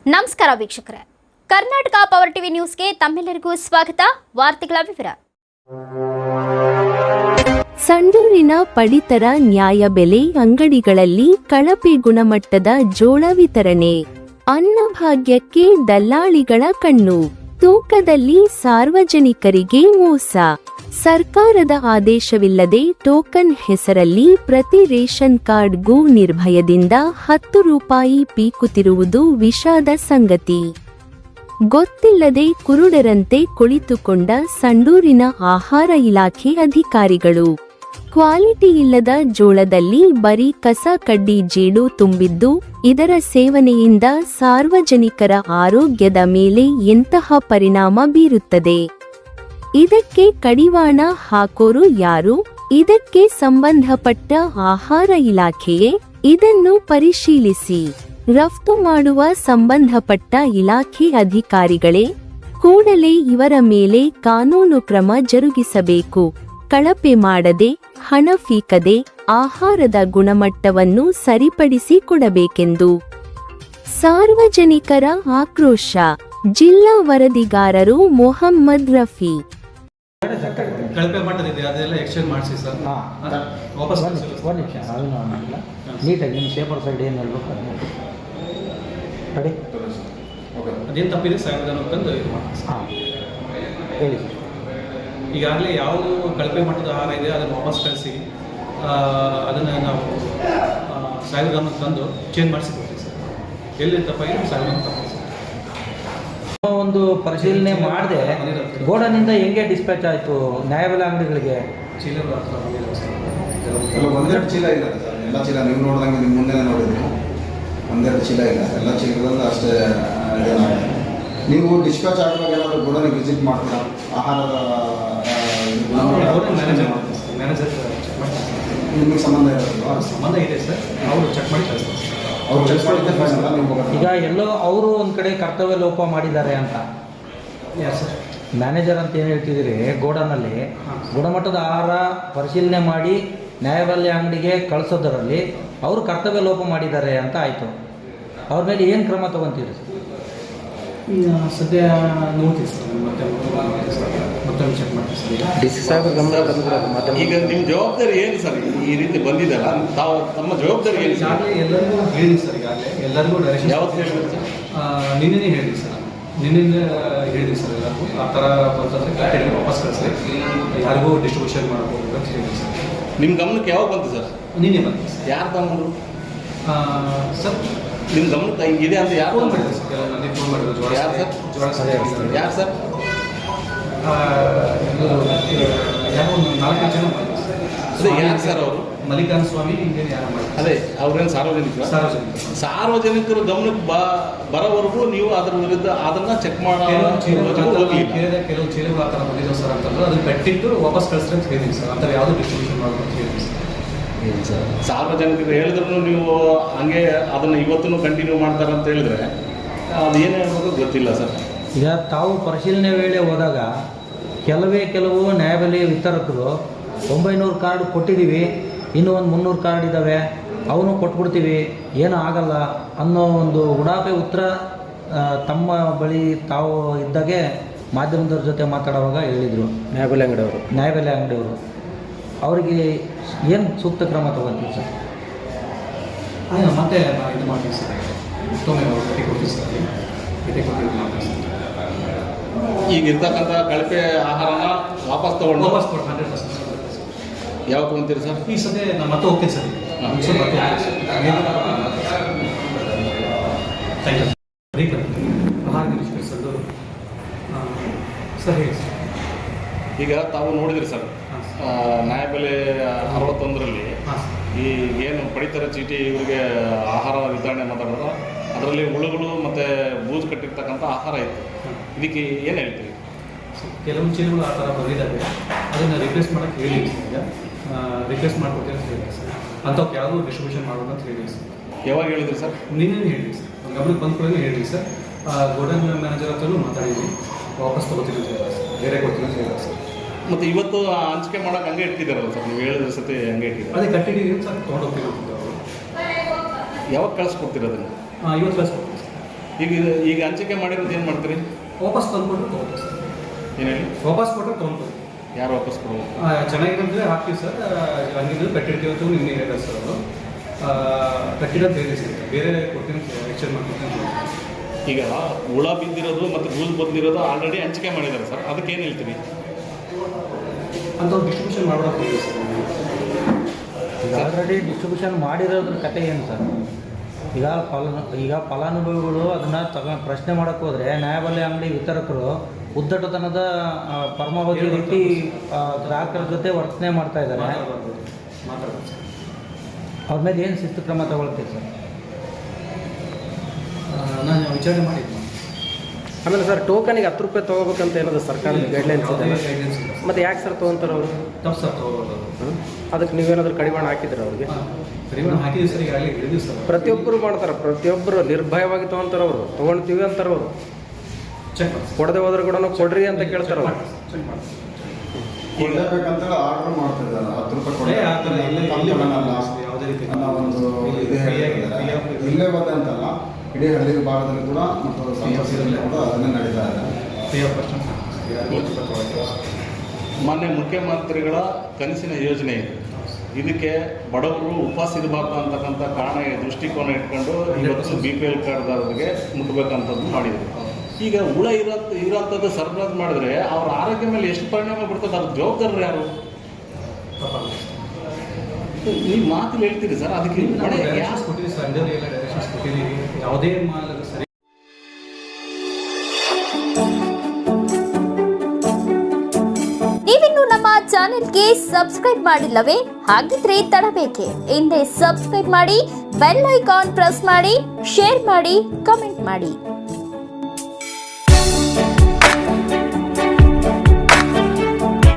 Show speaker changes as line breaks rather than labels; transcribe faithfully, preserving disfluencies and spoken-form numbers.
ನಮಸ್ಕಾರ ವೀಕ್ಷಕರೇ, Karnataka power TV ನ್ಯೂಸ್ಗೆ ತಮ್ಮೆಲ್ಲರಿಗೂ ಸ್ವಾಗತ. ವಾರ್ತೆಗಳ ವಿವರ.
ಸಂಡೂರಿನ ಪಡಿತರ ನ್ಯಾಯಬೆಲೆ ಅಂಗಡಿಗಳಲ್ಲಿ ಕಳಪೆ ಗುಣಮಟ್ಟದ ಜೋಳ ವಿತರಣೆ. ಅನ್ನಭಾಗ್ಯಕ್ಕೆ ದಲ್ಲಾಳಿಗಳ ಕಣ್ಣು. ತೂಕದಲ್ಲಿ ಸಾರ್ವಜನಿಕರಿಗೆ ಮೋಸ. ಸರ್ಕಾರದ ಆದೇಶವಿಲ್ಲದೆ ಟೋಕನ್ ಹೆಸರಲ್ಲಿ ಪ್ರತಿ ರೇಷನ್ ಕಾರ್ಡ್ಗೂ ನಿರ್ಭಯದಿಂದ ಹತ್ತು ರೂಪಾಯಿ ಪೀಕುತ್ತಿರುವುದು ವಿಷಾದ ಸಂಗತಿ. ಗೊತ್ತಿಲ್ಲದೆ ಕುರುಡರಂತೆ ಕುಳಿತುಕೊಂಡ ಸಂಡೂರಿನ ಆಹಾರ ಇಲಾಖೆ ಅಧಿಕಾರಿಗಳು. ಕ್ವಾಲಿಟಿ ಇಲ್ಲದ ಜೋಳದಲ್ಲಿ ಬರೀ ಕಸ ಕಡ್ಡಿ ಜೇಡು ತುಂಬಿದ್ದು, ಇದರ ಸೇವನೆಯಿಂದ ಸಾರ್ವಜನಿಕರ ಆರೋಗ್ಯದ ಮೇಲೆ ಎಂತಹ ಪರಿಣಾಮ ಬೀರುತ್ತದೆ? ಇದಕ್ಕೆ ಕಡಿವಾಣ ಹಾಕೋರು ಯಾರು? ಇದಕ್ಕೆ ಸಂಬಂಧಪಟ್ಟ ಆಹಾರ ಇಲಾಖೆಯೇ? ಇದನ್ನು ಪರಿಶೀಲಿಸಿ ರಫ್ತು ಮಾಡುವ ಸಂಬಂಧಪಟ್ಟ ಇಲಾಖೆ ಅಧಿಕಾರಿಗಳೇ ಕೂಡಲೇ ಇವರ ಮೇಲೆ ಕಾನೂನು ಕ್ರಮ ಜರುಗಿಸಬೇಕು. ಕಳಪೆ ಮಾಡದೆ, ಹಣ ಫೀಕದೆ ಆಹಾರದ ಗುಣಮಟ್ಟವನ್ನು ಸರಿಪಡಿಸಿ ಕೊಡಬೇಕೆಂದು ಸಾರ್ವಜನಿಕರ ಆಕ್ರೋಶ. ಜಿಲ್ಲಾ ವರದಿಗಾರರು ಮೊಹಮ್ಮದ್ ರಫಿ.
ಕಳಪೆ ಮಟ್ಟದಿದೆ, ಅದೆಲ್ಲ ಎಕ್ಸ್ಚೇಂಜ್ ಮಾಡಿಸಿ ಸರ್. ವಾಪಸ್
ಒಂದು ನಿಮಿಷ, ಅದನ್ನು ಆಗಿಲ್ಲ. ನೀಟಾಗಿ ನಿಮ್ಮ ಪೇಪರ್ ಸೈಡ್ ಏನು ಹೇಳ್ಬೇಕು ಅದನ್ನ ಕಡೆ
ಅದೇನು ತಪ್ಪಿದೆ ಸಾಹೇಬ್ ಅಂತಂದು ಇದು ಮಾಡಿ.
ಹಾಂ ಹೇಳಿ ಸರ್.
ಈಗಾಗಲೇ ಯಾವುದು ಕಳಪೆ ಮಟ್ಟದ ಆಹಾರ ಇದೆ ಅದನ್ನು ವಾಪಸ್ ಕಳಿಸಿ ಅದನ್ನು ನಾವು ಸಾಹೇಬ್ ಗಮನಕ್ಕೆ ತಂದು ಚೇಂಜ್ ಮಾಡಿಸಿ ಕೊಡ್ತೀವಿ ಸರ್. ಎಲ್ಲಿ ತಪ್ಪಾಗಿದೆ ಸಾಹೇಬ್ ಗಮನ ತಪ್ಪಾಗಿದೆ ಸರ್.
ಒಂದು ಪರಿಶೀಲನೆ ಮಾಡದೆ ಗೋಡನಿಂದ ಹೆಂಗೆ ಡಿಸ್ಪ್ಯಾಚ್ ಆಯಿತು ನ್ಯಾಯಬೆಲೆ ಅಂಗಡಿಗಳಿಗೆ?
ಚೀಲ
ಒಂದೆರಡು ಚೀಲ ಇಲ್ಲ ಸರ್, ಎಲ್ಲ ಚೀಲ ನೀವು ನೋಡಿದಂಗೆ ನಿಮ್ಮ ಮುಂದೆ ನೋಡಿದ್ರಿ, ಒಂದೆರಡು ಚೀಲ ಇಲ್ಲ, ಎಲ್ಲ ಚೀಲದಲ್ಲಿ ಅಷ್ಟೇ ಇದೇನಾಗಿದೆ. ನೀವು ಡಿಸ್ಪ್ಯಾಚ್ ಆಗುವಾಗ ಏನಾದರೂ ಗೋಡನಿಗೆ ವಿಸಿಟ್ ಮಾಡ್ತೀರಾ? ಆಹಾರದ
ಮ್ಯಾನೇಜರ್ ಮ್ಯಾನೇಜರ್ ಚೆಕ್ ಮಾಡಿ
ನಿಮಗೆ ಸಂಬಂಧ ಇರೋದು
ಸಂಬಂಧ ಇದೆ ಸರ್, ಅವರು ಚೆಕ್ ಮಾಡಿ ಕಳಿಸ್ತಾರೆ ಸರ್.
ಅವ್ರು ಚೆಕ್ ಮಾಡಿದ್ದೆ ಫೈನಲ್ಲ ನೀವು
ಈಗ ಎಲ್ಲೋ ಅವರು ಒಂದು ಕಡೆ ಕರ್ತವ್ಯ ಲೋಪ ಮಾಡಿದ್ದಾರೆ ಅಂತ
ಯಾರು ಸರ್?
ಮ್ಯಾನೇಜರ್ ಅಂತ ಏನು ಹೇಳ್ತಿದ್ದೀರಿ? ಗೋಡನಲ್ಲಿ ಗುಣಮಟ್ಟದ ಆಹಾರ ಪರಿಶೀಲನೆ ಮಾಡಿ ನ್ಯಾಯಬೆಲೆ ಅಂಗಡಿಗೆ ಕಳಿಸೋದರಲ್ಲಿ ಅವರು ಕರ್ತವ್ಯ ಲೋಪ ಮಾಡಿದ್ದಾರೆ ಅಂತ ಆಯಿತು. ಅವ್ರ ಮೇಲೆ ಏನು ಕ್ರಮ ತೊಗೊತೀರಿ ಸರ್?
ಸದ್ಯ ನೋಡ್ತೀವಿ ಸರ್, ಮತ್ತೆ ಮತ್ತೊಂದು ಚೆಕ್ ಮಾಡ್ತೀವಿ ಸರ್.
ಡಿ ಸಿ ಸಾಹೇಬ್ ಗಮನ.
ಈಗ ನಿಮ್ಮ ಜವಾಬ್ದಾರಿ ಏನು ಸರ್? ಈ ರೀತಿ ಬಂದಿದ್ದಲ್ಲ, ತಾವು ತಮ್ಮ ಜವಾಬ್ದಾರಿ ಏನು?
ಈಗಾಗಲೇ ಎಲ್ಲರಿಗೂ ಹೇಳಿ ಸರ್, ಈಗಾಗಲೇ ಎಲ್ಲರಿಗೂ ಡೈರೆಕ್ಷನ್
ಯಾವತ್ತು ಹೇಳಿದ್ರು ಸರ್?
ನಿನ್ನೆ ಹೇಳಿ ಸರ್, ನಿನ್ನೆ ಹೇಳಿ ಸರ್ ಎಲ್ಲರಿಗೂ ಆ ಥರ ಬಂತಂದರೆ ಕಟ್ಟೆಗೆ ವಾಪಸ್ ಕಳಿಸ್ರಿ, ಯಾರಿಗೂ ಡಿಸ್ಟ್ರಿಬ್ಯೂಷನ್ ಮಾಡ್ಬೋದು ಅಂತ ಹೇಳಿ ಸರ್.
ನಿಮ್ಮ ಗಮನಕ್ಕೆ ಯಾವಾಗ ಬಂತು ಸರ್?
ನಿನ್ನೆ ಬಂತು ಸರ್.
ಯಾರು ತಗೊಂಡ್ರು
ಸರ್?
ನಿಮ್ಮ ಗಮನಕ್ಕೆ ಹಿಂಗಿದೆ ಅಂತ ಯಾರು
ಫೋನ್ ಮಾಡಿದ್ರು ಸರ್, ಕೆಲವು ಮಂದಿ ಫೋನ್ ಮಾಡಿದ್ರು. ಜೋಳ
ಯಾರು ಸರ್?
ಜೋಳ ಸರ್
ಯಾರು ಸರ್?
ಯಾರೋ ಒಂದು ನಾಲ್ಕೈದು ಜನ ಮಾಡಿದ್ರು ಸರ್.
ಅದೇ ಯಾರು ಸರ್ ಅವರು?
ಮಲ್ಲಿಕಾನ್ ಸ್ವಾಮಿ ಹಿಂಗೇನು ಯಾರು ಮಾಡಿದ್ರು?
ಅದೇ ಅವ್ರೇನು ಸಾರ್ವಜನಿಕರು?
ಸಾರ್ವಜನಿಕ
ಸಾರ್ವಜನಿಕರು ಗಮನಕ್ಕೆ ಬ ಬರೋವರೆಗೂ ನೀವು ಅದರ ವಿರುದ್ಧ ಅದನ್ನು ಚೆಕ್ ಮಾಡೋ
ಕೇಳಿದ ಕೆಲವು ಚೀಲಗಳು ಆ ಥರ ಬಂದಿದ್ದಾವೆ ಸರ್ ಅಂತಂದ್ರೆ ಅದನ್ನು ಕಟ್ಟಿಟ್ಟು ವಾಪಸ್ ಕಳಿಸ್ರಿ ಅಂತ ಹೇಳಿದ್ವಿ ಸರ್. ಆ ಥರ ಯಾವುದು ಡಿಸ್ಟ್ರಿಬ್ಯೂಷನ್ ಮಾಡೋದು ಅಂತ ಹೇಳಿದ್ವಿ ಸರ್.
ಸಾರ್ವಜನಿಕರು ಹೇಳಿದ್ರು ನೀವು ಹಂಗೆ ಅದನ್ನು ಇವತ್ತೂ ಕಂಟಿನ್ಯೂ ಮಾಡ್ತಾರೆ ಅಂತ ಹೇಳಿದ್ರೆ ಅದು ಏನು ಹೇಳ್ಬೇಕು ಗೊತ್ತಿಲ್ಲ ಸರ್.
ಈಗ ತಾವು ಪರಿಶೀಲನೆ ವೇಳೆ ಹೋದಾಗ ಕೆಲವೇ ಕೆಲವು ನ್ಯಾಯಬೆಲೆ ವಿತರಕರು ಒಂಬೈನೂರು ಕಾರ್ಡ್ ಕೊಟ್ಟಿದ್ದೀವಿ, ಇನ್ನೂ ಒಂದು ಮುನ್ನೂರು ಕಾರ್ಡ್ ಇದ್ದಾವೆ, ಅವನು ಕೊಟ್ಬಿಡ್ತೀವಿ, ಏನೂ ಆಗಲ್ಲ ಅನ್ನೋ ಒಂದು ಉಡಾಪೆ ಉತ್ತರ ತಮ್ಮ ಬಳಿ ತಾವು ಇದ್ದಾಗೆ ಮಾಧ್ಯಮದವ್ರ ಜೊತೆ ಮಾತಾಡುವಾಗ ಹೇಳಿದರು ನ್ಯಾಯಬೆಲೆ ಅಂಗಡಿಯವರು ನ್ಯಾಯಬೆಲೆ ಅಂಗಡಿಯವರು ಅವರಿಗೆ ಏನು ಸೂಕ್ತ ಕ್ರಮ ತಗೊಳ್ತೀವಿ ಸರ್?
ಹಾಂ, ಮತ್ತೆ ನಾವು ಇದು ಮಾಡ್ತೀವಿ ಸರ್, ಮತ್ತೊಮ್ಮೆ ಭೇಟಿ ಕೊಡ್ತೀವಿ ಸರ್, ಭೇಟಿ ಕೊಟ್ಟು ಮಾಡ್ತೀವಿ ಸರ್.
ಈಗ ಇರ್ತಕ್ಕಂಥ ಕಳಪೆ ಆಹಾರನ ವಾಪಸ್ ತೊಗೊಂಡು
ವಾಪಸ್ ಕೊಟ್ಟು ಹಂಡ್ರೆಡ್ ಪರ್ಸೆಂಟ್ ಸರ್.
ಯಾವಾಗ ತೊಗೊಂತೀರಿ ಸರ್?
ಈ ಸದ್ಯ ನಾನು ಮತ್ತೆ ಹೋಗ್ತೀನಿ ಸರ್.
ಹಾಂ,
ಸರ್ ಮತ್ತೆ ಥ್ಯಾಂಕ್ ಯು ಆಹಾರ ನಿರೀಕ್ಷೆ ಸರ್. ಸರ್ ಹೇಳಿ ಸರ್.
ಈಗ ತಾವು ನೋಡಿದ್ರಿ ಸರ್, ನ್ಯಾಯಬೆಲೆ ಅರವತ್ತೊಂದರಲ್ಲಿ ಈ ಏನು ಪಡಿತರ ಚೀಟಿ ಇವರಿಗೆ ಆಹಾರ ವಿತರಣೆ ಮಾತಾಡೋದು, ಅದರಲ್ಲಿ ಹುಳುಗಳು ಮತ್ತು ಬೂಜು ಕಟ್ಟಿರ್ತಕ್ಕಂಥ ಆಹಾರ ಇತ್ತು. ಇದಕ್ಕೆ ಏನು ಹೇಳ್ತೀವಿ?
ಕೆಲವು ಚೀಲಗಳು ಆ ಥರ ಬಂದಿದ್ದಾವೆ, ಅದನ್ನು ರಿಪ್ಲೇಸ್ ಮಾಡೋಕ್ಕೆ ಹೇಳಿದ್ವಿ ಸರ್. ಈಗ ರಿಪ್ಲೇಸ್ ಮಾಡ್ಕೊಡ್ತೀವಿ ಅಂತ ಹೇಳಿದ್ವಿ ಸರ್. ಅಂಥವ್ಕೆ ಯಾವುದೂ ಡಿಸ್ಟ್ರಿಬ್ಯೂಷನ್ ಮಾಡೋದು ಅಂತ ಹೇಳಿದ್ವಿ ಸರ್.
ಯಾವಾಗ ಹೇಳಿದ್ರಿ ಸರ್?
ನಿನ್ನೆ ಹೇಳಿದ್ವಿ ಸರ್, ಗಮನಕ್ಕೆ ಬಂದ ಕೂಡ ಹೇಳಿದ್ವಿ ಸರ್. ಗೋಡನ್ ಮ್ಯಾನೇಜರ್ ಹತ್ರನೂ ಮಾತಾಡಿದ್ವಿ, ವಾಪಸ್ ತೊಗೋತೀವಿ ಅಂತ ಹೇಳಿದ್ರು ಸರ್, ಬೇರೆ ಕೊಡ್ತೀವಿ ಅಂತ ಹೇಳಿದ್ರು ಸರ್.
ಮತ್ತು ಇವತ್ತು ಹಂಚಿಕೆ ಮಾಡೋಕೆ ಹಂಗೆ ಇಟ್ಟಿದ್ದಾರಲ್ಲ ಸರ್, ನೀವು ಹೇಳಿದ್ರೆ ಸತಿ ಹಂಗೆ ಇಟ್ಟಿದ್ದಾರೆ.
ಅದೇ ಕಟ್ಟಿದ್ದೀವಿ ಸರ್, ತೊಗೊಂಡು ಹೋಗ್ತೀವಿ ಅವರು.
ಯಾವಾಗ ಕಳಿಸ್ಕೊಡ್ತೀರ ಅದನ್ನು?
ಹಾಂ, ಇವತ್ತು ಕಳಿಸ್ಕೊಡ್ತೀವಿ ಸರ್.
ಈಗ ಈಗ ಹಂಚಿಕೆ ಮಾಡಿರೋದು ಏನು ಮಾಡ್ತೀರಿ?
ವಾಪಸ್ ತಂದ್ಕೊಟ್ಟು ತೊಗೊಳ್ತೀವಿ ಸರ್.
ಏನು ಹೇಳಿ?
ವಾಪಸ್ ಕೊಟ್ಟರೆ ತೊಗೊಂಡ್ತೀವಿ.
ಯಾರು ವಾಪಸ್ ಕೊಡೋದು?
ಚೆನ್ನಾಗಿರೋದ್ರೆ ಹಾಕ್ತೀವಿ ಸರ್. ಹಂಗಿದ್ರೆ ಕಟ್ಟಿರ್ತೀವಿ ಅಂತ ನಿನ್ನೆ ಹೇಳಿದೆ ಸರ್ ಅವರು. ಕಟ್ಟಿರೋದು ಬೇರೆ ಸಿಗುತ್ತೆ, ಬೇರೆ ಕೊಡ್ತೀನಿ ಎಕ್ಸ್ಚೇಂಜ್ ಮಾಡ್ಕೊಡ್ತೀನಿ.
ಈಗ ಹುಳ ಬಿದ್ದಿರೋದು ಮತ್ತು ಗೂಲ್ ಬಂದಿರೋದು ಆಲ್ರೆಡಿ ಹಂಚಿಕೆ ಮಾಡಿದ್ದಾರೆ ಸರ್, ಅದಕ್ಕೆ ಏನು ಹೇಳ್ತೀವಿ?
ಅಂಥವ್ರು ಡಿಸ್ಟ್ರಿಬ್ಯೂಷನ್ ಮಾಡೋದು ಸರ್.
ಈಗ ಆಲ್ರೆಡಿ ಡಿಸ್ಟ್ರಿಬ್ಯೂಷನ್ ಮಾಡಿರೋದ್ರ ಕತೆ ಏನು ಸರ್? ಈಗ ಫಲ ಈಗ ಫಲಾನುಭವಿಗಳು ಅದನ್ನು ತಗೊಂಡು ಪ್ರಶ್ನೆ ಮಾಡೋಕ್ಕೆ ಹೋದರೆ ನ್ಯಾಯಬೆಲೆ ಅಂಗಡಿ ವಿತರಕರು ಉದ್ದಟತನದ ಆ, ಪರಮಾವಧಿ ರೀತಿ ಆ, ಗ್ರಾಹಕರ ಜೊತೆ ವರ್ತನೆ ಮಾಡ್ತಾ ಇದ್ದಾರೆ.
ಮಾತಾಡ್ಬೋದು ಸರ್.
ಅವ್ರ ಮೇಲೆ ಏನು ಶಿಸ್ತು ಕ್ರಮ ತಗೊಳ್ತೀವಿ ಸರ್?
ನಾನು ವಿಚಾರಣೆ ಮಾಡಿದ್ದೆ.
ಆಮೇಲೆ ಸರ್ ಟೋಕನಿಗೆ ಹತ್ತು ರೂಪಾಯಿ ತೊಗೋಬೇಕಂತ ಏನಾದ್ರು ಸರ್ಕಾರದ ಗೈಡ್ಲೈನ್ಸ್ ಇದೆ?
ಗೈಡೆನ್ಸ್ ಇಲ್ಲ.
ಮತ್ತು ಯಾಕೆ ಸರ್ ತೊಗೊಂತಾರೆ ಅವರು?
ತಪ್ಪು ಸರ್ ತೊಗೊಳ್ಳೋದು.
ಅದಕ್ಕೆ ನೀವೇನಾದರೂ ಕಡಿವಾಣ ಹಾಕಿದ್ರೆ ಅವ್ರಿಗೆ?
ಕಡಿಮೆ ಹಾಕಿದ್ದೀವಿ ಸರ್, ಈಗಾಗಲೇ ಹೇಳಿದ್ದೀವಿ ಸರ್.
ಪ್ರತಿಯೊಬ್ಬರು ಮಾಡ್ತಾರೆ, ಪ್ರತಿಯೊಬ್ಬರು ನಿರ್ಭಯವಾಗಿ ತೊಗೊಂತಾರೆ ಅವರು. ತೊಗೊಳ್ತೀವಿ ಅಂತಾರೆ ಅವರು,
ಚೆಕ್ ಮಾಡಿ
ಕೊಡದೆ ಹೋದ್ರೆ ಕೂಡ ಕೊಡ್ರಿ ಅಂತ ಕೇಳ್ತಾರೆ ಅವರು.
ಚೆಕ್ ಮಾಡಿ.
ಕೊಡಲೇಬೇಕಂತೇಳಿ ಆರ್ಡರ್ ಮಾಡ್ತಿದ್ದಾರೆ. ಹತ್ತು ರೂಪಾಯಿ ಕೊಡಿ,
ಏ, ಆ ಥರ ಇಲ್ಲಿ ಇಲ್ಲಿ
ತಗೊಳ್ಳಲ್ಲ
ಯಾವುದೇ ರೀತಿ
ಅನ್ನೋ ಒಂದು ಇದೇ ಹೇಳ್ತಿದ್ದಾರೆ. ಇಲ್ಲೇ ಬಂದೆ ಅಂತಲ್ಲ, ಇಡೀ ಹಳ್ಳಿ ಭಾಗದಲ್ಲಿ ಕೂಡ ಮತ್ತು ಸಂತಸದಲ್ಲಿ ಕೂಡ ಅದನ್ನೇ ನಡೀತಾ ಇದೆ.
ಫ್ರೀ ಆಫ್ ಕಾಸ್ಟ್
ಮಾನ್ಯ ಮುಖ್ಯಮಂತ್ರಿಗಳ ಕನಸಿನ ಯೋಜನೆ ಇದೆ. ಇದಕ್ಕೆ ಬಡವರು ಉಪವಾಸ ಇರಬಾರ್ದು ಅಂತಕ್ಕಂಥ ಕಾರಣ ದೃಷ್ಟಿಕೋನ ಇಟ್ಕೊಂಡು ಇವತ್ತು ಬಿ ಪಿ ಎಲ್ ಕಾರ್ಡ್ದಾರರಿಗೆ ಮುಟ್ಟಬೇಕಂಥದ್ದು ಮಾಡಿದರು. ಈಗ ಹುಳ ಇರೋ ಇರೋಂಥದ್ದು ಸರಬರಾಜು ಮಾಡಿದ್ರೆ ಅವ್ರ ಆರೋಗ್ಯ ಮೇಲೆ ಎಷ್ಟು ಪರಿಣಾಮ ಬೀರ್ತದೆ? ಅದ್ರ ಜವಾಬ್ದಾರರು ಯಾರು? ನೀವು ಮಾತಲ್ಲಿ ಹೇಳ್ತೀರಿ ಸರ್, ಅದಕ್ಕೆ ಹೊಣೆ ಯಾರು?
ಡೈರೆಕ್ಷನ್ಸ್ ಕೊಟ್ಟಿದ್ದೀವಿ ಸರ್, ಅಂಡರ್ ಎಲ್ಲ ಡೈರೆಕ್ಷನ್ಸ್ ಕೊಟ್ಟಿದ್ದೀವಿ. ಯಾವುದೇ ಮಾಲ್ ಸರಿ.
ನೀವಿನ್ನು ನಮ್ಮ ಚಾನೆಲ್ಗೆ ಸಬ್ಸ್ಕ್ರೈಬ್ ಮಾಡಿಲ್ಲವೇ? ಹಾಗಿದ್ರೆ ತಡಬೇಕೆ? ಹಿಂದೆ ಸಬ್ಸ್ಕ್ರೈಬ್ ಮಾಡಿ, ಬೆಲ್ ಐಕಾನ್ ಪ್ರೆಸ್ ಮಾಡಿ, ಶೇರ್ ಮಾಡಿ, ಕಮೆಂಟ್ ಮಾಡಿ.